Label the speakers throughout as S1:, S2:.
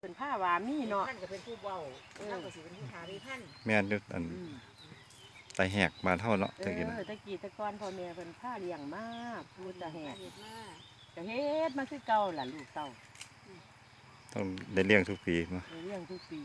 S1: เป็นผ้าวามีเนาะ
S2: ท่านก็เป็นผู้เบาเราก็สิเป็นผู้หาริพันธ์
S3: แม่นอยู่อันไตแหกบ้านเฮาเนาะตะกี้น่ะ
S1: ตะกี้ตะกอนพ่อแม่เป็นผ้าเลี้ยงมากพูดตะแหก
S2: เฮ็ดมา
S1: ก็เฮ็ดมาคือเก่าล่ะลูกเต้า
S3: ต้องได้เลี้ยงทุกปีมา
S1: เลี้ยงทุกปี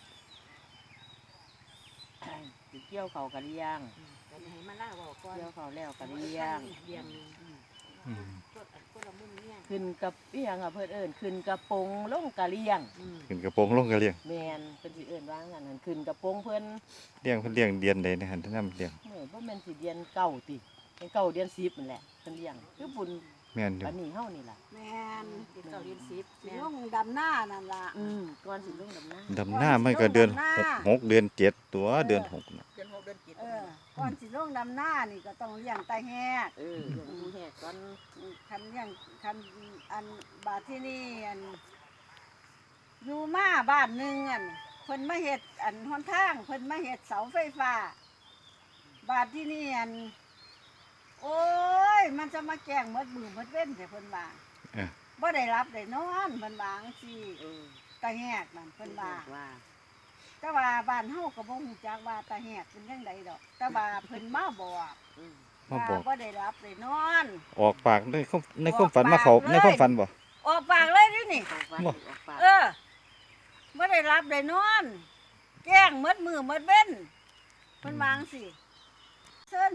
S1: สิเกี่ยวเขาก็เลี้ยง
S2: กันให้มาล่าเว้าก่อน
S1: เกี่ยวเขาแล้วก็เลี้ยง
S2: เลี้ยงนึง
S3: อืม
S2: คนละมุมเนี่ย
S1: ขึ้นกับเลี้ยงอ่ะเพิ่นเอิ้นขึ้นกระโปรงลงกะเลี้ยง
S3: ขึ้นกระโปรงลงก็เลี้ยง
S1: แม่นเพิ่นสิเอิ้นว่างั้นหั่นขึ้นกระโปรงเพิ่น
S3: เลี้ยงเพิ่นเลี้ยงเดือนใดนะหั่นท่านนำเลี้ยง
S1: บ่แม่นสิเดือนเก้าติเป็นเก้าเดือน10นั่นแหละเพิ่นเลี้ยงคือบุญ
S3: แม่นอยู่
S1: อันนี้เฮานี่ล่ะ
S4: แม่น
S2: เป็นเก่าเรียน10
S4: สิ
S2: แม่
S4: ลงดำหน้านั่นล่ะ
S1: ก่อนสิลงดำน้
S3: ดำหน้ามันก็เดือนหกเดือนเจ็ดตัวเดือนหกน่ะ
S2: เดือน6เดือน7
S4: ก่อนสิลงดำหน้านี่ก็ต้องเลี้ยงตาแหก
S1: เลี้ยงผู้แหกก่อน
S4: คันเลี้ยงคันอันบาดที่นี่อันอยู่มาบ้านหนึงอันเพิ่นมาเฮ็ดอันหนทางเพิ่นมาเฮ็ดเสาไฟฟ้าบาดที่นี่อันโอ้ยมันจะมาแกล้งหมดมือหมดเว้นแต่เพิ่นว่า
S3: เออ
S4: บ่ได้รับได้นอนเพิ่นว่าจังซี่
S1: เออ
S4: ตาแหกนั่นเพิ่นว่า
S1: ว่า
S4: แต่ว่าบ้านเฮาก็บ่ฮู้จักว่าตาแหกเป็นจังไดดอกแต่ว่าเพิ่นมาบอก
S3: มาบอก
S4: ว่าบ่ได้รับได้นอน
S3: ออกปากในความฝันมาเขาในความฝันบ่
S4: ออกปากเลยนี่นี่
S1: ออกปาก
S3: บ่
S1: ออกปาก
S4: บ่ได้รับได้นอน แกล้งหมดมือหมดเว้นเพิ่นวาจั่งสิเชิญ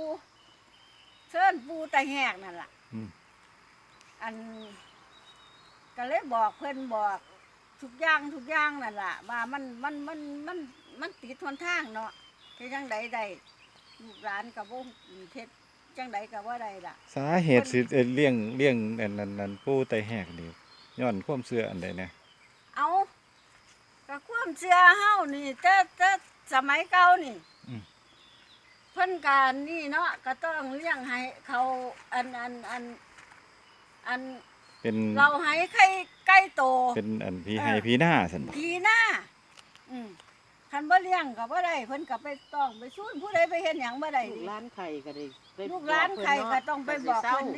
S4: ปูตาแหกนั่นล่ะ
S3: อืม
S4: อันก็เลยบอกเพิ่นบอกทุกอย่างนั่นล่ะว่ามันติดทนทางเนาะเฮ็ดจังใดได้ลูกหลานก็บ่เฮ็ดจังใดก็บ่ได้ล่ะ
S3: สาเหตุสิเลี้ยงอันนั้นปูไตแหกนี่ย้อนความเชื่ออันใดแน่
S4: เอาก็ความเชื่อเฮานี่แต่สมัยเก่านี่เพิ่นการนี่เนาะก็ต้องเลี้ยงให้เขาอัน
S3: เป็น
S4: เราให้ใกล้โต
S3: เป็นอันพี่ให้พี่หน้าซั่นบ่
S4: ผีหน้าคันบ่เลี้ยงก็บ่ได้เพิ่นก็ไปต้องไปสู้ผู้ใดไปเฮ็ดหยังบ่ได้
S1: ลูก
S4: ดิ
S1: ร้านไข่ก็ได้ไป
S4: ลูกหลานไข่ก็ต้องไปบอกเพิ่นดิ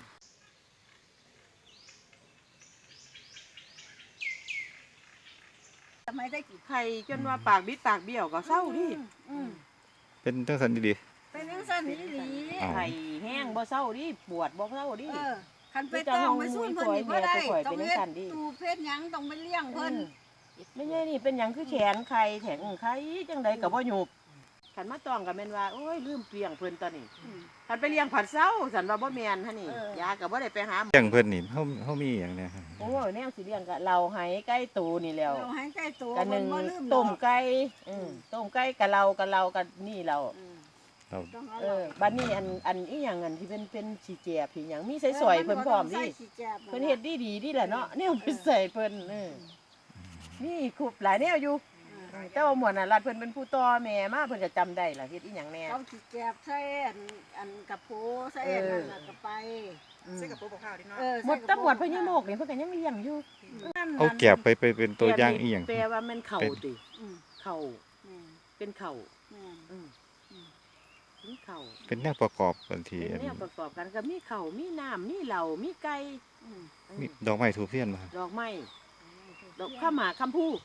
S4: สมัยได้กี่
S1: ไข่จนว่าปากบิดปากเบี้ยวก็เศร้าดิ
S3: เป็นจังซั่นดี
S4: เป็นจังซั่นอีหลี
S3: อ้าว
S1: ไข่แห้งบ่เศร้าดิปวดบ่เศร้าดิ
S4: คันไปต้องไปสู้เพิ่นนี่บ่ได้
S1: ไป
S4: ต้อง
S1: เป็น
S4: เฮ็ด
S1: จังซั่นดิ
S4: ตูเพชรหยังต้องไปเลี้ยงเพิ่น
S1: ไม่ใช่นี่เป็นหยังคือแขนไข่แข็งไข่จังใดก็บ่หยุบขันมาต้องก็แม่นว่าโอ้ยลืมเปลียงเพิ่นตอนนี้ขันไปเลี้ยงผัดเศร้าสันว่าบ่แม่นหั่นนี่ยาก็บ่ได้ไปหาหมอ
S3: เลี้ยงเพิ่นนี่เฮามีหยังแน่
S1: โอ้ยแนวสิเลี้ยงก็เราให้ไก่ตูนี่แหล้ว
S4: เราให้ใกล้ตัว
S1: กันห
S4: เพิ่
S1: นึ่
S4: น
S1: ง
S4: บ่ลืม
S1: ต้ม
S4: ดอก
S1: ไก่ต้มไก่กับเรากับนี่เรา
S3: เรา
S4: ต้องเอา
S1: บัดนี้อันอีหยังอันที่เป็นสีแจบที่หยังมีใส่สวยเพิ่นพร้อมดิเพิ่นเฮ็ดดีดิแหละเนาะแนวไปใส่เพิ่นนี่คุบหลายแนวอยู่แต่ว่าหมวดน่ะรัดเพิ่นเป็นผู้ต่อแม่มาเพิ่นก็จำได้ล่ะเฮ็ดอีหยังแน่
S4: เขาสิแกบใส่อันกระโปใส่อันนั่นน่ะก็ไป
S2: ใส่กระปุกข้าวดิเนาะ
S1: หมดตำรวจพญโมกนี่เพิ่นก็ยังเลี้ยงอยู่
S3: เอาแก็บไปเป็นตัวอย่างอีหยัง
S1: แปลว่ามันเข่าติ
S4: อืม
S1: เข่า
S4: แม่น
S1: เป็นเข่า
S4: แม่น
S1: เป็นเข่า
S3: เป็นแนวประกอบบันที
S1: เป็นแนวประกอบกันก็มีเข่ามีน้ำมีเหล่ามีไก่
S4: อืม
S3: มีดอกไม้ทูบเทียนบ่ครับ
S1: ดอกไม้ดอกข้าวหมากคำพู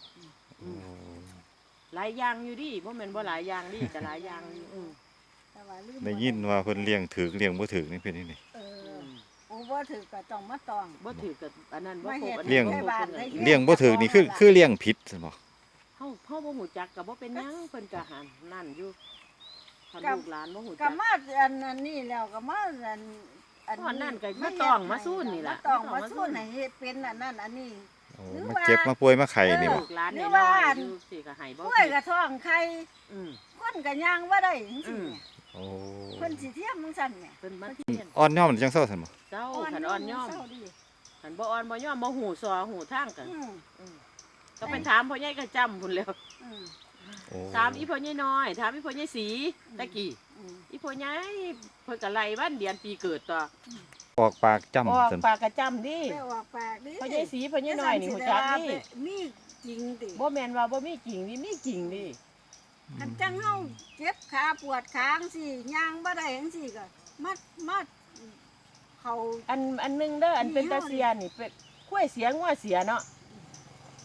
S1: หลายอย่างอยู่ดิบ่แม่นบ่หลายอย่างดิแต่หลายอย่างอยู่
S4: แต่ว่าลืม
S3: ได้ยินว่าเพิ่นเลี้ยงถูกเลี้ยงบ่ถูกนี่เป็นจังได๋
S4: โอ้บ่ถือก็ต้องมาตอง
S1: บ่ถือกับอันนั้นบ่
S4: ไม่
S1: ครบ
S4: เฮ็ด
S1: อัน
S3: เลี้
S1: นี้
S3: ยง
S1: บ่ครบ
S3: เลี้ยงบ่ถูกนี่คือเลี้ยงผิดซั่นบ่
S1: เฮาบ่ฮู้จักก็บ่เป็นหยังเพิ่นก็หันนั่นอยู่คันลูกหลานบ่ฮู้
S4: ก็
S1: จัก
S4: มาอันนั้นนี่แล้วก็มาอัน
S1: ตอนนั้นก็มาต้องมาสู้นี่ล่ะ
S4: มาต้องมาสู้ให้เฮ็ดเป็นอันนั้นอันนี้
S3: โอ้
S4: หรือ
S3: มา
S4: ว่า
S3: เจ็บมาป่วยมาไข้นี่บ่
S1: ลูกหลาน
S4: หรื
S1: น้
S4: อ
S1: อ
S4: ว่า
S1: ยๆอยู่สิก็ให้บ่
S4: กล้วยกระท้องไข่
S1: อืม
S4: คนก็ย่างบ่ได้จังซี่เนี่ย
S3: โอ้
S4: เพิ่นสิเทียมจังซั่นเนี่ย
S1: เพิ่นมาเทียน
S3: อ่อนย่อมจังเซาซั่นบ่
S1: เจ้าขันอ่อนย่อม
S4: เศร้าดิ
S1: ขันบ่อ่อนบ่ย่อมบ่หูซอหูทางกัน
S4: อืม
S1: ก็ไปถามพ่อใหญ่ก็จำพุ่นแล้ว
S4: อืม
S3: โอ้
S1: ถามอีพ่อใหญ่น้อยถามอีพ่อใหญ่สีตะกี้
S4: อืม
S1: อีพ่อใหญ่เพิ่นก็ไล่วันเดือนปีเกิดต่อ
S3: ออกปากจ้ำ
S1: ออก
S3: ซั่น
S1: ปากก็จำดิ
S4: ไปออกปากดิ
S1: พ่อใหญ่สีพ่อใหญ่น้อยนี่ฮู้จักดิ
S4: มีจริงติ
S1: บ่แม่นว่าบ่มีกิ่งนี่มีกิ่งดิ
S4: คันจังเฮาเจ็บขาปวดขาจังซี่ย่างบ่ได้จังซี่ก็มาเขา
S1: อันหนึงเด้ออันเป็นตาเสียนี่เป็นข้วยเสียงัวเสียเนาะ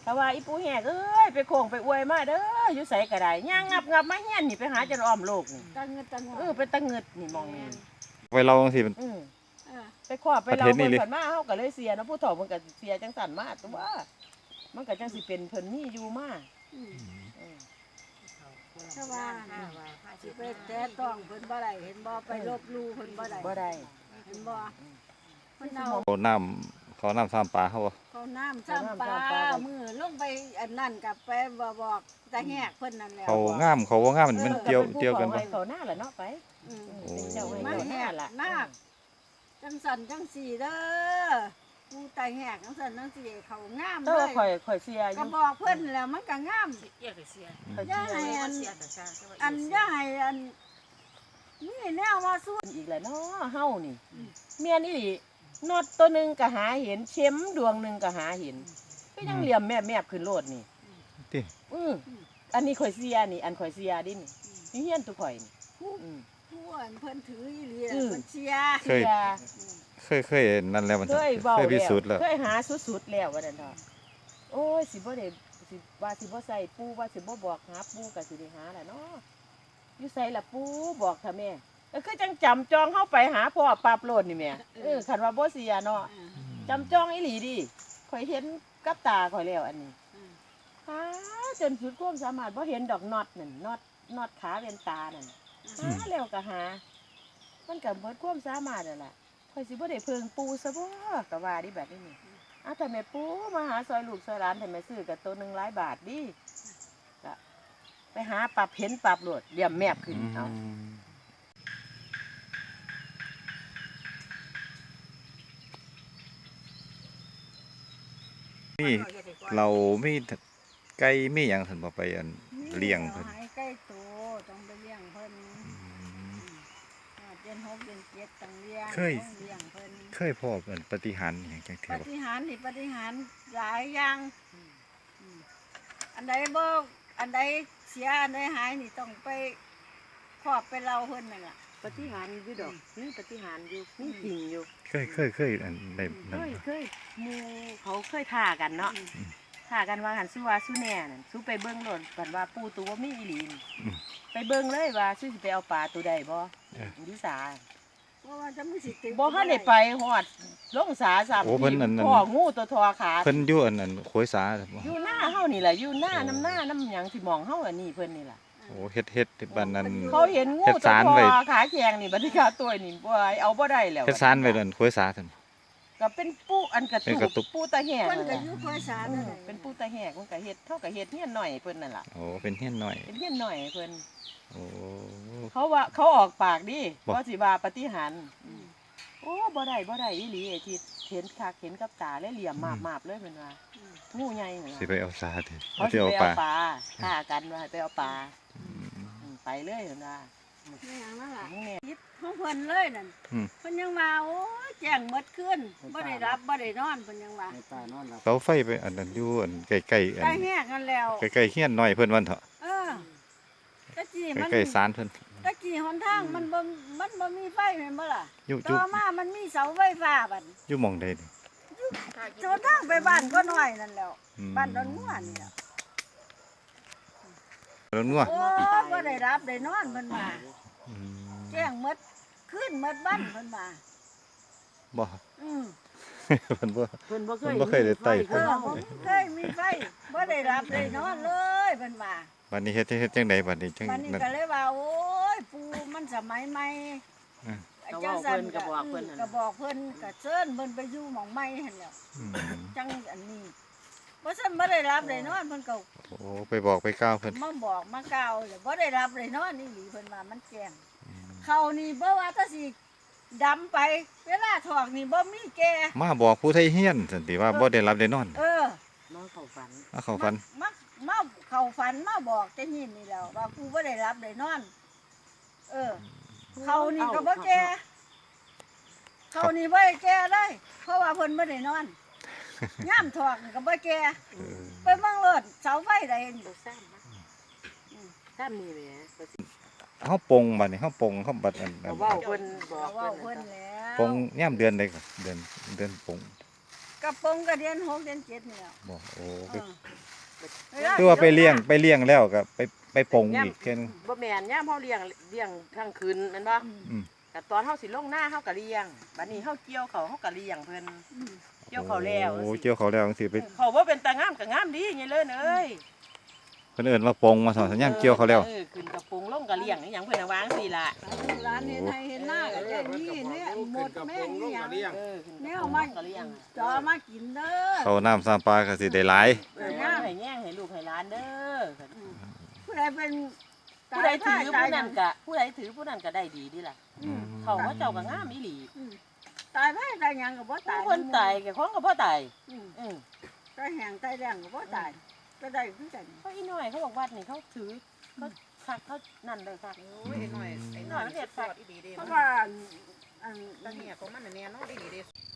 S1: ถ้าว่าอีปูแหกเอ้ยไปโค้งไปอวยมาเด้ออยู่ไสก็ได้ย่างงับมาเฮียนนี่ไปหาจนอ้อมโลกนี่
S4: ตังเงินตังง
S1: เป็นตะเงิดนี่มองนี่
S3: ไปเราจังซี่มัน
S1: อือ
S4: เออ
S1: ไปขอไปเรา
S3: ประเทศนี้
S1: เพิ่น
S3: เลย
S1: ผ่านมาเฮาก็เลยเสียเนาะผู้เฒ่าเพิ่นก็เสียจังสั่นมาตัวมันก็จังสิเป็นเพิ่นมีอยู่มา
S4: อืม
S1: อืม
S4: ถ้าว่าสิไปแตะต้องเพิ่นบ่ได้เห็นบ่ไปลบหลู่เพิ่นบ่ได้
S1: บ่ได้
S4: เห็นบ่เพิ่นเอา
S3: เขาน้ำซ้ำปลาเขาบ่
S4: เขาน้ำซ้ำปลามือลงไปอันนั่นกับไปบอกตาแหกเพิ่นนั่นแหละ
S3: เขางามเขาบ่งามมันเกี่ยวกันบ่
S1: เขาหน้าละเนาะไป
S4: อืม
S3: โอ้
S1: เป็นเจ้าให้
S4: มา
S1: เขาห
S4: แห
S1: น้าก ละ
S4: นาคจังสันจังสีเด้อกูตาแหกจังสันจังสีเขางาม
S1: แต่
S4: เล
S1: ว่าย ข่อยเสียอ
S4: ก็
S1: ยู่
S4: บอกเพิ่นแล้วมันก็งาม
S2: เกี่ยวกับเสีย
S1: ข่อย
S4: ย่า
S1: เสีย
S4: ให้
S1: อยู่
S4: อัน
S2: เสียแต่ชา
S4: อันย่าให้อันนี่แนวว่าสู้
S1: อีกแล้วเนาะเฮานี่เมียนอีหลีน็อตตัวหนึงก็หาเห็นเข็มดวงหนึงก็หาเห็นก็ยังเหลี่ยมแมบๆขึ้นโลดนี่
S3: ติ
S1: อันนี้ข่อยเสียนี่อันข่อยเสียดินี่นี่เฮียนตุข่อยนี่อืม
S4: ผู้อันเพิ่นถืออีหลี
S1: อืม
S4: เพิ่นเชียร์
S3: เคย เคยนั่นแล้วมัน
S1: เคยเว้า
S3: เคยพิ
S1: แล้ว
S3: สูจน์แล้ว
S1: เคยหาสุดๆแล้วว่านั่นเถอะโอ้ยสิบ่ได้สิว่าสิบ่ใส่ปูว่าสิบ่บอกหาปูก็สิได้หาแหละเนาะอยู่ใส่ละปูบอกเถอะแม่ก็คือจังจำจองเฮาไปหาพ่อปราบโลดนี่แม่คันว่าบ่เสียเนาะ จำจองอีหลีดิข่อยเห็นกับตาข่อยแล้วอันนี้หาจนสุดความสามารถบ่เห็นดอกน็อตนั่นน็อตขาเวียนตานั่นหาแล้วก็หา มันก็เบิดความสามารถนั่นล่ะข่อยสิบ่ได้เพิงปูซะบ่ก็ว่าดิแบบนี้นี่ถ้าแม่ปูมาหาซอยลูกซอยหลานถ้าแม่ซื้อก็ตัวหนึงหลายบาทดิก็ไปหาปรับเห็นปรับโลดเหลี่ยมแมบขึ้นเอา
S3: นี่เรามีไก่มีหยังซั่นบ่ไปอันเลี้ยงเพิ่น
S4: ให้ใกล้โตต้องไปเลี้ยงเพิ่นเดือน6เดือน7ต้องเลี้ยงต้องเลี้ยงเพิ่น
S3: เคยพบอันปาฏิหาริย์อหย่างจัง
S4: ป
S3: เทื่อบ่
S4: ฏิหารย์นี่ปฏิหารย์หลายอย่างอันใดบ่อันใดเสียอันใดหายนี่ต้องไปครอบไปเล่าเพิ่นนั่นล่ะ
S1: ปฏิหารย์อยู่ดอกนี่ปฏิหารย์อยู่มีจริงอยู่
S3: เคยอันได้นั่น
S1: เคยหมู่เขาเคยท่ากันเนาะท่ากันว่าหันสู้ว่าสู้แน่นั่นสู้ไปเบิ่งโลดกันว่าปูตัวบ่มีอีหลีนี่ไปเบิ่งเลยว่าสู้สิไปเอาปลาตัวใดบ่อยู่สา
S4: เพราะว่าจะมีสิติด
S1: บ่ทันได้ไปฮอดลงสาซ้ำ
S3: โอ้เพิ่นนั่น
S1: พ่องูตัวทอขา
S3: เพิ่นอยู่อันนั้นโขยสาบ่
S1: อยู่หน้าเฮานี่แหละอยู่หน้าน้ำหยังที่มองเฮาอันนี้เพิ่นนี่ล่ะ
S3: โอ้เฮ็ดบ้านนั้น
S1: เขาเห็นงู
S3: เฮ็ด
S1: ตัว
S3: สาร
S1: ท
S3: ไว้
S1: อขาแข็งนี่บัดนี้ขาตัวนี่บ่เอาบ่ได้แล้ว
S3: เฮ็ดสารไว้นั่นโขยสาซั่น
S1: ก็เป็นปูอันกระ
S3: เป็นกระตุ
S1: ตุ
S3: ก
S1: กปูตาแหก
S4: เพิ่น
S1: นั่น
S4: ก็
S1: ล่ะ
S4: อยู่คอยสาร
S1: อื
S4: นั่น
S1: ม
S4: แหละ
S1: เป็นปูตาแหกมันก็เฮ็ดเท่ากับเฮ็ดเฮียนหน่อยเพิ่นนั่นล่ะ
S3: โอ้เป็นเฮียนน้อย
S1: เป็นเฮียนหน่อยเพิ่น
S3: โอ้
S1: เขาว่าเขาออกปากดิ
S3: บ่
S1: ว่าสิว่าปฏิหารย์โอ้บ่ได้อีหลีไอ้ที่เห็นคักเห็นกับตาเลยเหลี่ยมมาบๆเลยเพิ่นว่างูใหญ่นั่น
S3: สิ
S1: ล่ะ
S3: ไปเอาสาติ
S1: เขาสิ
S3: สิ
S1: ไป
S3: เอาป
S1: เอา
S3: ลา
S1: ปลาฆ่ากันว่าให้ไปเอาปลาไปเลยเพิ่นว่า
S4: นี่หยังนั่นล่ะ
S1: มึงแน่
S4: คิดของเพิ่นเลยนั่นเพิ่นยังว่าโอ้ยแจ้งหมดคืนบ่ได้รับบ่ได้นอนเพิ่นยังว่า
S3: เสาไฟไปอันนั้นอยู่อันใกล้ๆอัน
S4: ได้แหกกันแล้ว
S3: ใกล้ๆเฮียนน้อยเพิ่นวันเถาะ
S4: เออตะกี้มัน
S3: ใกล้ๆศาลเพิ่น
S4: ตะกี้หนทางมันบ่มีไฟแม่นบ่ล่ะ
S3: อยู่
S4: ต่อมามันมีเสาไฟฟ้าบัด
S3: อยู่หม่องใดนี่
S4: จนทางไปบ้านก็น้อยนั่นแหล้ว
S3: อืม
S4: บ้านดอนงัวนี่ล่ะ
S3: แล้วนัว
S4: โอ้บ่ได้รับได้นอนเพิ่นว่า
S3: อืม
S4: แจ้งหมดคืนหมดบ้านเพิ่นว่า
S3: บ่
S4: อืม
S3: เพิ่นบ่
S1: เพิ่นบ่เค
S3: เพิ่
S1: ย
S3: นบ่เคยได้ไต่
S4: เออผมเคยมีไฟบ่ได้รับได้นอนเลยเพิ่นว่า
S3: บัดนี้เฮ็ดจังไดบัดนี้จัง
S4: บัดนี้
S3: นั่น
S4: ก็เลยว่าโอ้ยปูมันสมัยใหม่
S3: อืม
S4: อาจารย์สั่นก็บอกเพิ่นก็เชิญเพิ่นไปอยู่หม่องใหม่หั่นแหล้ว
S3: อืม
S4: จังอันนี้บ่ซั่นบ่ได้รับได้นอนเพิ่นก็
S3: โอ้ไปบอกไปกล่าวเพิ่น
S4: มาบอกมากล่าวแล้วบ่ได้รับได้นอนนี่หลีเพิ่นว่ามันแจ้งเขานี่บ่ว่าถ้าสิดำไป เวลาถอกนี่บ่มีแก่
S3: มาบอกผู้ไทยเฮียนซั่นติว่าบ่ได้รับได้นอน
S4: เออ
S1: น้องเข้าฝัน
S3: มาเข้าฝัน
S4: มาเข้าฝันมาบอกแต่หินนี่แหล้วว่ากูบ่ได้รับได้นอน เออ เขานี่ก็บ่แก่เขานี่บ่ได้แก่เลย เพราะว่าเพิ่นบ่ได้นอนย่ามถอกนี่ก็บ่แก่
S3: เออ
S4: ไปเบิ่งรถเสาไฟใดนี่
S1: ซ้ำนี่แหละ
S3: เฮาปงบัดนี้เฮาปงเฮาบัดอัน
S1: เว้าเพิ่นบอก
S4: เว้า
S1: เพิ่น
S4: เพิ่นแล้ว
S3: ปงยามเดือนใดก็เดือนปง
S4: กระโปรงก็เดือน6เดือน7นี่แหล้ว
S3: บ่โอ้
S4: เออ
S3: คือว่าไปเลี้ยงแล้วก็ไปปงอีกแค่นึง
S1: บ่แม่นย่ามเฮาเลี้ยงทั้งคืนแม่นบ่
S3: อืม
S1: แต่ตอนเฮาสิลงหน้าเฮาก็เลี้ยงบัดนี้เฮาเกี่ยวเขาเฮาก็เลี้ยงเพิ่นเกี่ยวเขาแล้ว
S3: โอ้เกี่ยวเขาแล้วจังซี่ไป
S1: เขาบ่เป็นตางามก็งามดีไงเลิศเอ้ย
S3: เพิ่นเอิ้นว่าปงมาสอนสัญญาณเกี่ยวเขาแล้ว
S1: ขึ้นกระโปรงลงก็เลี้ยงอหยังเพิ่นน่ะวางสิล่ะ
S4: ร้านเห็นให้เห็นหน้าก็ได้นี่เนี่ยหมดแม่งนี่หยัง
S1: ขึ้น
S4: แน
S1: ก
S4: ว
S1: ระโปรง
S4: มา
S1: ก็เลี้ยง
S4: จอมากินเด้อ
S3: เขาน้ำซ้ำปลาก็สิได้หลาย
S1: ย่างให้แย่งให้ลูกให้หลานเด้อ
S4: ผู้ใดเป็น
S1: ผู้ใดถือผู้นั้นก็ผู้ใดถือผู้นั้นก็ได้ดีดีล่ะ
S3: อืม
S1: เขาว่าเจ้าก็งามอีหลี
S4: ตายไปตายหยังก็บ่ตาย
S1: คนตายกับของก็บ่ตาย
S4: ตายแห้งตายแรงก็บ่ตายก็ได้คือกัน
S1: เขาอีน้อยเขาบอกวัดนี่เขาถือเขาคักเขานั่นเลยคัก
S2: โอ้ยไอ้หน่อยมันเห็ดสอดอีดีเด้
S4: เพราะ
S2: เนาะ
S4: ว่าอัน
S2: ตาเนี่ยของมันน่ะแน่เนาะดีเด้